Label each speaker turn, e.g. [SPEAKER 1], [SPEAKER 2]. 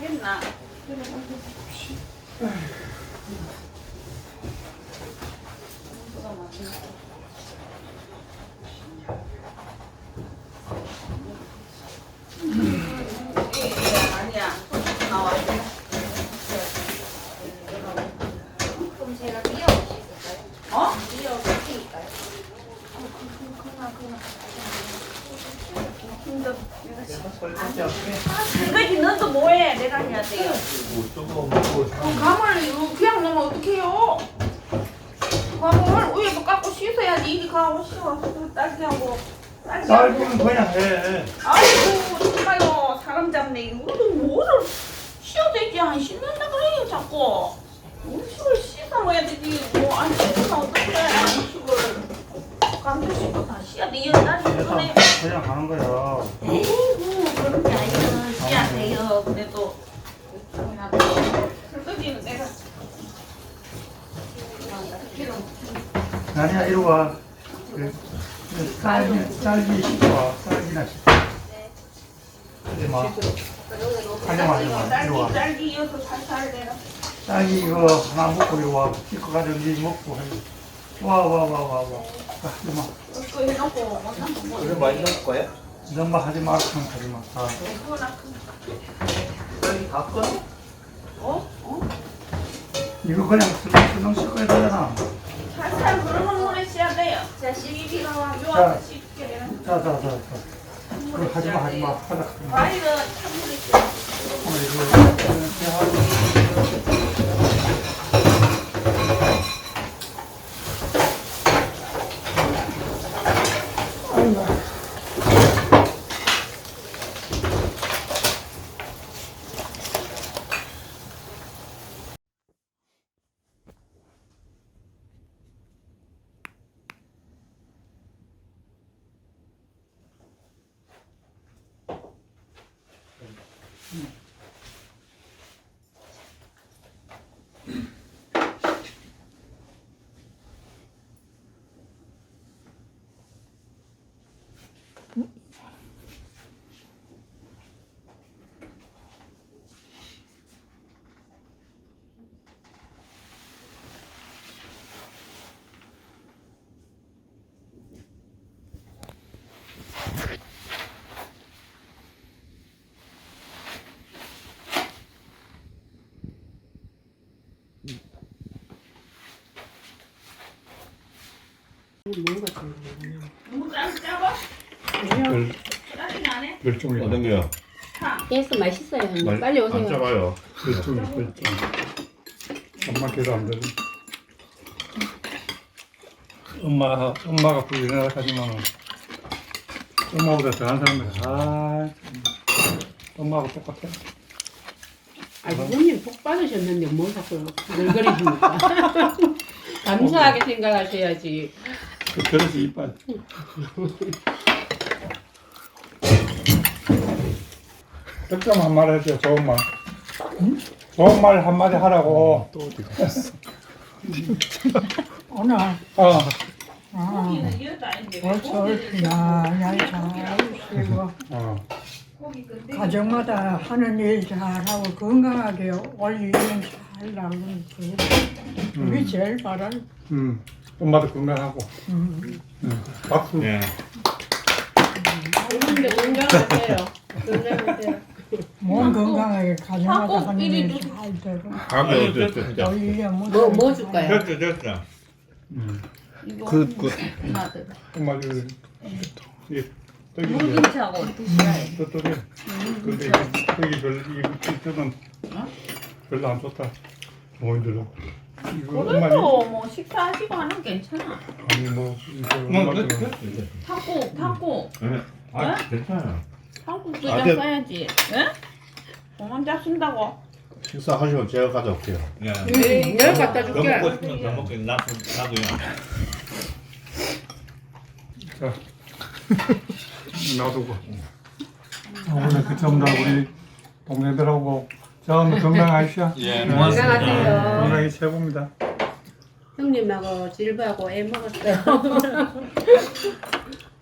[SPEAKER 1] 하겠나? 아니야. 나와.
[SPEAKER 2] 그럼 제가 끼워볼 수 있을까요?
[SPEAKER 1] 어?
[SPEAKER 2] 끼워볼 수 있을까요?
[SPEAKER 1] 그거지 너도 뭐해? 내가 해야 돼요. 감을 이거 그냥 넣으면 어떡해요? 감을 위에도 깎고 씻어야지. 이리 가고 씻어. 딸기하고.
[SPEAKER 3] 딸기는 그냥 해.
[SPEAKER 1] 아이고 정말요. 사람 잡네. 이거도 뭐를 씻어야 되지. 안 씻는다 그래요 자꾸. 음식을 씻어 먹어야 되지. 뭐 안 씻으면 어떡해. 음식을. 감도 씻고 다 씻어야 돼. 딸기 그래.
[SPEAKER 3] 그냥 하는 거야.
[SPEAKER 1] 에이구 그런 게 아니야. 씻어야 돼요. 그래도. 설거지는 내가.
[SPEAKER 3] 아니야, 이리 와. 딸기 씻고 와. 딸기나 씻고. 이제 막. 하지 마. 이리 와.
[SPEAKER 1] 딸기 이어서 살살 내라.
[SPEAKER 3] 딸기 이거 하나 먹고 이리 와. 씻고 가지고 니 먹고 해. 와. 하지 마.
[SPEAKER 1] 이거 해놓고 뭐
[SPEAKER 4] 그래 많이 넣을 거야?
[SPEAKER 3] 이런 거 하지 마. 하지 마. 아.
[SPEAKER 4] 여기 다 꺼?
[SPEAKER 3] 이거 그냥 슬렁슬렁 씻어야 되잖아.
[SPEAKER 1] 살살 흐르는 물에 씻어야 돼요.
[SPEAKER 2] 자, 12비가
[SPEAKER 1] 요한테 씻게 되나?
[SPEAKER 3] 자. 그거 하지 마. 하자.
[SPEAKER 1] 과일은 찬물에 씻어. 너무 짜봐? 짜증 안 해?
[SPEAKER 5] 멸종이
[SPEAKER 4] 어떤 거요?
[SPEAKER 6] 깨서 맛있어요. 형님. 빨리
[SPEAKER 4] 안
[SPEAKER 6] 오세요.
[SPEAKER 4] 작아요.
[SPEAKER 5] 멸종이 엄마 걔도 안 되지. 엄마가 부인하라 하지만 엄마보다 더한 사람들 엄마하고 똑같아.
[SPEAKER 6] 아버님 복 받으셨는데 뭘 자꾸 널거리십니까? 감사하게 생각하셔야지.
[SPEAKER 5] 그 그릇이 이빨. 득점 한마디 해줘. 좋은 말. 좋은 말 한마디 하라고. 또 어디 갔어?
[SPEAKER 7] 오늘
[SPEAKER 1] 고기는 이것도 아닌데 왜
[SPEAKER 7] 벌써
[SPEAKER 1] 고기를
[SPEAKER 7] 날 잘하시고
[SPEAKER 1] 고기 근데
[SPEAKER 7] 가정마다 하는 일 잘하고 건강하게 올 1년 잘 나오는 그게 제일 바랄.
[SPEAKER 5] 엄마도 건강하고. 박수.
[SPEAKER 4] 예.
[SPEAKER 6] 근데 건강하세요. 건강하세요.
[SPEAKER 7] 몸 건강하게 가정마다 하는
[SPEAKER 1] 이리
[SPEAKER 7] 일 잘 되고
[SPEAKER 4] 밥이
[SPEAKER 7] 올
[SPEAKER 4] 어땠어?
[SPEAKER 7] 1년
[SPEAKER 6] 뭐 줄까요?
[SPEAKER 4] 됐어.
[SPEAKER 1] 이거
[SPEAKER 5] 그
[SPEAKER 1] 하나들
[SPEAKER 5] 엄마 그 떡이
[SPEAKER 1] 물김치하고 드셔야 해.
[SPEAKER 5] 떡이 근데 떡이 별로 별로 안 좋다. 어머니들은 이거 엄마
[SPEAKER 1] 그래도 뭐 식사하시고 하는 건 괜찮아.
[SPEAKER 5] 아니 뭐 이거 엄마들은
[SPEAKER 1] 탕국
[SPEAKER 4] 아 괜찮아요.
[SPEAKER 1] 탕국
[SPEAKER 4] 아,
[SPEAKER 1] 두장
[SPEAKER 4] 네.
[SPEAKER 1] 써야지. 예? 공원자 쓴다고?
[SPEAKER 4] 식사하시면 제가 가져올게요. 예.
[SPEAKER 6] 내가 갖다
[SPEAKER 4] 더
[SPEAKER 6] 줄게.
[SPEAKER 4] 먹고 싶으면 더 먹고 나도요.
[SPEAKER 5] 자 놔두고 오늘 그참다 우리 동네들하고 처음 건강하시오.
[SPEAKER 4] 예.
[SPEAKER 6] 건강하세요.
[SPEAKER 5] 건강이 최고입니다.
[SPEAKER 6] 형님하고 질부하고 애 먹었어요.